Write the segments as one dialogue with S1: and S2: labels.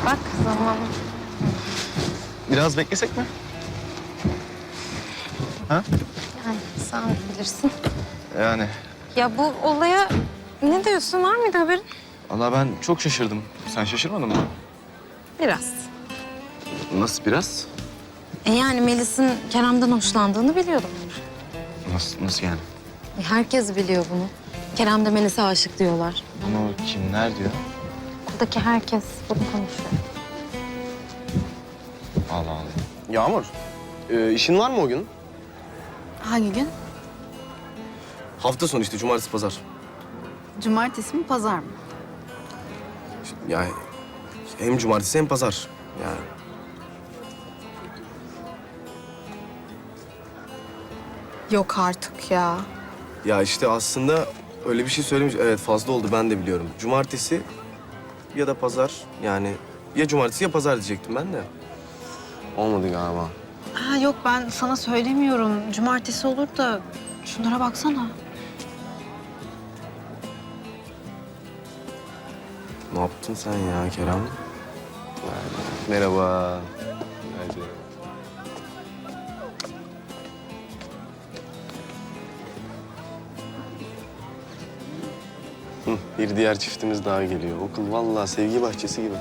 S1: Bak zaman.
S2: Biraz beklesek mi? Ha?
S1: Yani sen bilirsin.
S2: Yani
S1: Ya bu olaya ne diyorsun? Var mıydı haberin?
S2: vallahi ben çok şaşırdım. Sen şaşırmadın mı?
S1: Biraz.
S2: Nasıl biraz?
S1: Yani Melis'in Kerem'den hoşlandığını biliyordum.
S2: Nasıl yani?
S1: Herkes biliyor bunu. Kerem de Melis'e aşık diyorlar.
S2: Bunu kimler diyor?
S1: Buradaki herkes bunu konuşuyor.
S2: Allah Allah.
S3: Yağmur, işin var mı o gün?
S4: Hangi gün?
S3: Hafta sonu işte, cumartesi, pazar.
S4: Cumartesi mi, pazar mı?
S3: Yani hem cumartesi hem pazar. Yani
S4: Yok artık ya.
S3: ya işte aslında öyle bir şey söylemiş. Evet, fazla oldu, ben de biliyorum. Cumartesi ya da pazar, yani ya cumartesi ya pazar diyecektim ben de. Olmadı galiba.
S4: Ha yok, ben sana söylemiyorum. Cumartesi olur da şunlara baksana.
S3: Ne yaptın sen ya Kerem? Merhaba. Hadi. Bir diğer çiftimiz daha geliyor. Okul vallahi sevgi bahçesi gibi.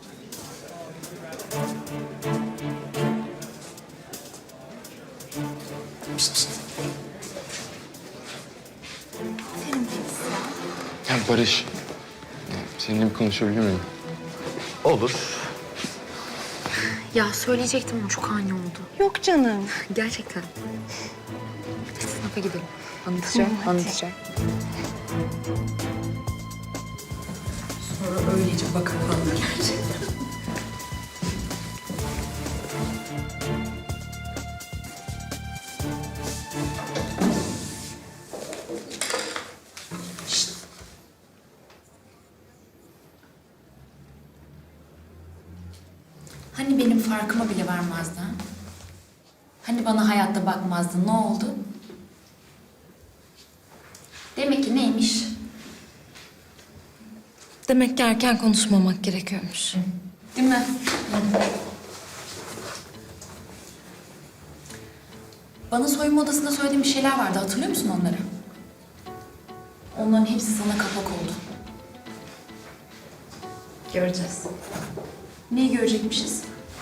S2: Ya Barış, seninle bir konuşabilir miyim?
S3: Olur.
S5: Ya söyleyecektim ama çok ani oldu.
S1: Yok canım.
S5: Gerçekten. Hadi sınıfa gidelim. Anlatacağım. Sonra öylece bakıp gerçekten.
S6: Hani benim farkıma bile varmazdı ha? Hani bana hayatta bakmazdı, ne oldu? Demek ki neymiş?
S1: Demek ki erken konuşmamak gerekiyormuş.
S6: Değil mi? Bana soyunma odasında söylediğim bir şeyler vardı, hatırlıyor musun onları? Onların hepsi sana kapak oldu.
S1: Göreceğiz.
S6: Neyi görecekmişiz?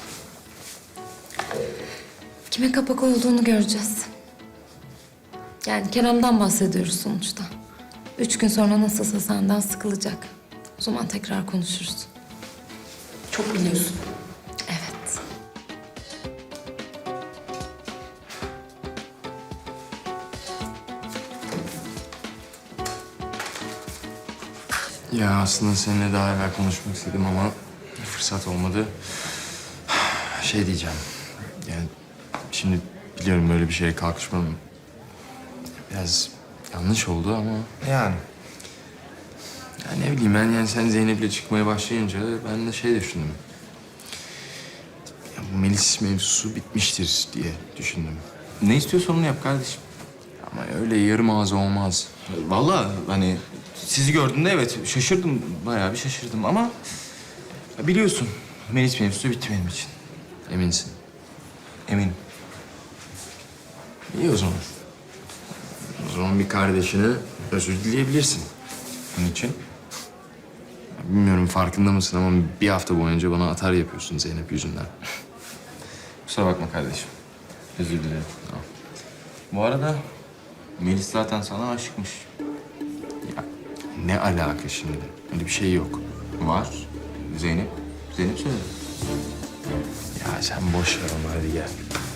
S1: Kime kapak olduğunu göreceğiz. Yani Kerem'den bahsediyoruz sonuçta. 3 gün sonra nasılsa senden sıkılacak. O zaman tekrar konuşuruz.
S6: Çok biliyorsun.
S1: Evet.
S2: Ya aslında seninle daha evvel konuşmak istedim ama fırsat olmadı. Şey diyeceğim. Yani şimdi biliyorum böyle bir şeye kalkışmam biraz yanlış oldu ama
S3: Yani.
S2: ya ne bileyim ben yani sen Zeynep'le çıkmaya başlayınca ben de şey düşündüm. Ya bu Melis mevzusu bitmiştir diye düşündüm. Ne istiyorsan onu yap kardeşim. Ama öyle yarım ağız olmaz. Vallahi hani sizi gördüğümde evet şaşırdım. Bayağı bir şaşırdım ama ya biliyorsun Melis mevzusu bitti benim için. Eminsin. Eminim. İyi o zaman. O zaman bir kardeşine özür dileyebilirsin. Bunun için. Ya bilmiyorum farkında mısın ama bir hafta boyunca bana atar yapıyorsun Zeynep yüzünden. Kusura bakma kardeşim. Özür dilerim. Tamam. Bu arada Melis zaten sana aşıkmış. Ya ne alaka şimdi? Öyle bir şey yok. Var. Zeynep söyledi. Ya sen boş ver onu hadi gel.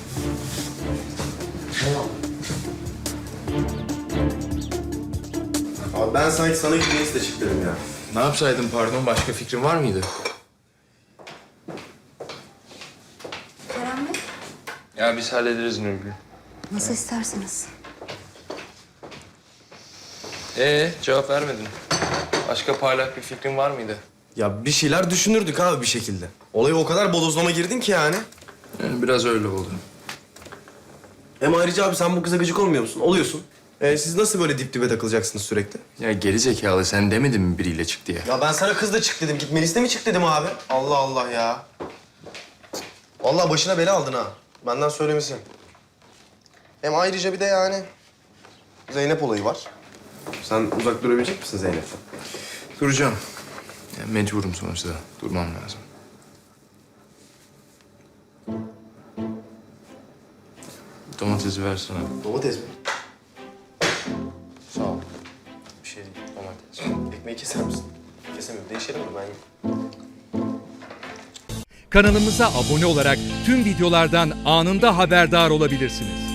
S3: Abi ben sanki sana gitmeyi de çıktım ya.
S2: Ne yapsaydım pardon? Başka fikrin var mıydı?
S5: Kerem Bey,
S2: Ya biz hallederiz Nurgül.
S5: nasıl isterseniz.
S2: Cevap vermedin. Başka parlak bir fikrin var mıydı?
S3: Ya bir şeyler düşünürdük abi bir şekilde. Olaya o kadar bodozlama girdin ki yani.
S2: Yani biraz öyle oldu.
S3: Hem ayrıca abi sen bu kıza gıcık olmuyor musun? Oluyorsun. Siz nasıl böyle dip dibe takılacaksınız sürekli?
S2: Ya geri zekalı sen demedin mi biriyle çık diye?
S3: Ya ben sana kız da çık dedim. Git Melis'le mi çık dedim abi? Allah Allah ya. Vallahi başına bela aldın ha. Benden söylemesi. Hem ayrıca bir de yani Zeynep olayı var. Sen uzak durabilecek misin Zeynep'ten?
S2: Duracağım. Ya mecburum sonuçta. Durmam lazım. Domatesi versene.
S3: Domates mi?
S2: Sağ ol.
S3: Bir şey değil. Domates. Ekmeği keser misin? Kesemiyorum. Değişelim mi ben?
S7: Kanalımıza abone olarak tüm videolardan anında haberdar olabilirsiniz.